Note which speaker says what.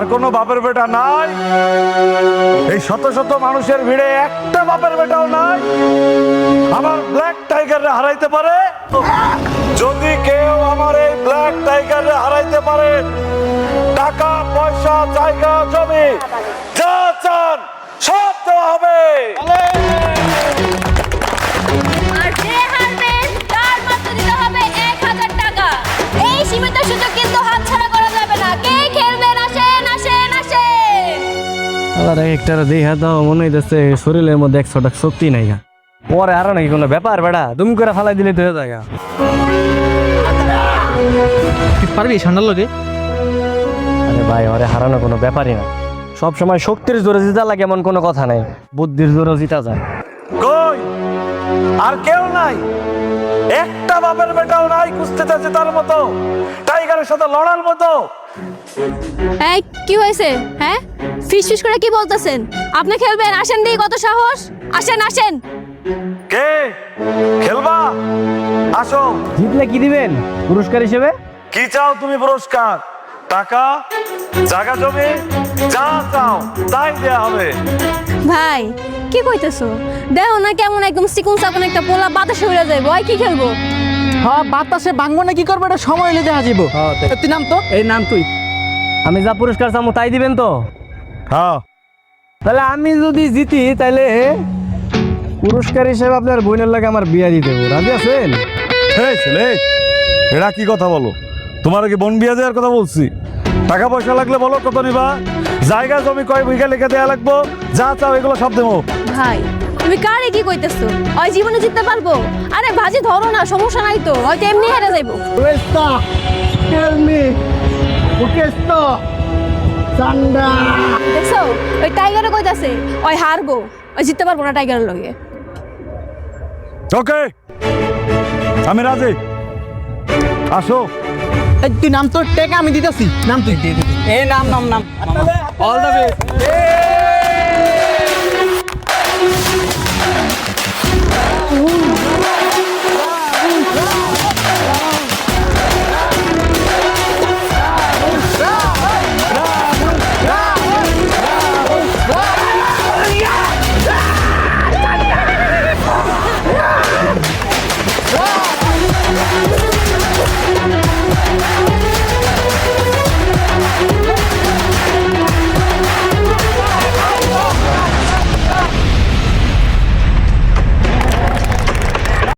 Speaker 1: কোনো বাপের বেটা নাই? এই শত শত মানুষের ভিড়ে একটা বাপের বেটাও নাই আমার ব্ল্যাক টাইগারে হারাইতে পারে? যদি কেউ আমার এই ব্ল্যাক টাইগারে হারাইতে পারে, টাকা পয়সা জায়গা জমি যা চান সব দেওয়া হবে।
Speaker 2: আর যে হারবে তার মাত্র দিতে হবে 1000 টাকা। এই সীমিত সুযোগ কিন্তু হাতছাড়া করা যাবে না। কে খেলবেন? আসেন আসেন আসেন।
Speaker 3: আবার একটা দেখা দাও মনে হইতেছে শরীরের মধ্যে 100টা শক্তি নাই গা। পরে আরো নাকি কোনো ব্যাপার বেড়া দুম করে ফালাই দিলে তো হয়ে যায় গা।
Speaker 4: তুই পারবি ঠান্ডার লগে?
Speaker 3: আরে ভাই ওরে হারানো কোনো ব্যাপারই না। সব সময় শক্তির জোরে জিতা লাগে এমন কোনো কথা নাই, বুদ্ধির জোরে জিতা যায়।
Speaker 1: কই আর কেউ নাই? একটা বাপের বেটাও নাই কুস্তিতে জেতার মতো, টাইগারের সাথে লড়ার মতো?
Speaker 2: এই কি হয়েছে? হ্যাঁ, ফিস ফিস করে কি বলতেছেন? আপনি খেলবেন? আসেন দিই, কত সাহস! আসেন আসেন।
Speaker 1: কে খেলবা? আসো।
Speaker 3: জিতলে কি দিবেন পুরস্কার হিসেবে?
Speaker 1: কি চাও তুমি পুরস্কার? টাকা, জায়গা জমি যা চাও তাই দেয়া হবে।
Speaker 2: ভাই কি কইতেছো? দেখো না কেমন একদম চিকুন চাকুন একটা পোলা বাতাসে উড়ে যাইবো। ওই কি খেলবো?
Speaker 4: হ্যাঁ, বাতাসে ভাঙবো না কি করবো এটা সময় হলে দেখা যাবো। তুই নাম তো, এই নাম তুই।
Speaker 3: আমি যা পুরস্কার চামো তাই দিবেন তো?
Speaker 1: হ্যাঁ।
Speaker 3: তাহলে আমি যদি জিতি তাহলে পুরস্কার হিসেবে আপনার বোনের লাগে আমার বিয়া দিয়ে দেবো, রাজি আছেন?
Speaker 1: এই ছেলে, এরা কি কথা বলো? তোমার কি বন বিয়া দেওয়ার কথা বলছি? টাকা পয়সা লাগলে বলো কত নিবা, জায়গা জমি কয় বিঘা লিখে দেয়া লাগবো, যা চাও এগুলো সব দেবো।
Speaker 2: ভাই তুমি কারে কি কইতেছো? ওই জীবনে জিততে পারবো? আরে ভাজি ধরো না, সমস্যা নাই তো, হয়তো এমনি হেরে যাইবো। দেখছো ওই টাইগারে কইতাছে ওই হারবো, ওই জিততে পারবো না টাইগারের লগে।
Speaker 1: ওকে, আমি রাজি। আসো।
Speaker 4: এই তুই নাম তো, টেকা আমি দিতেছি। নাম তুই, এই নাম নাম নাম। All the best.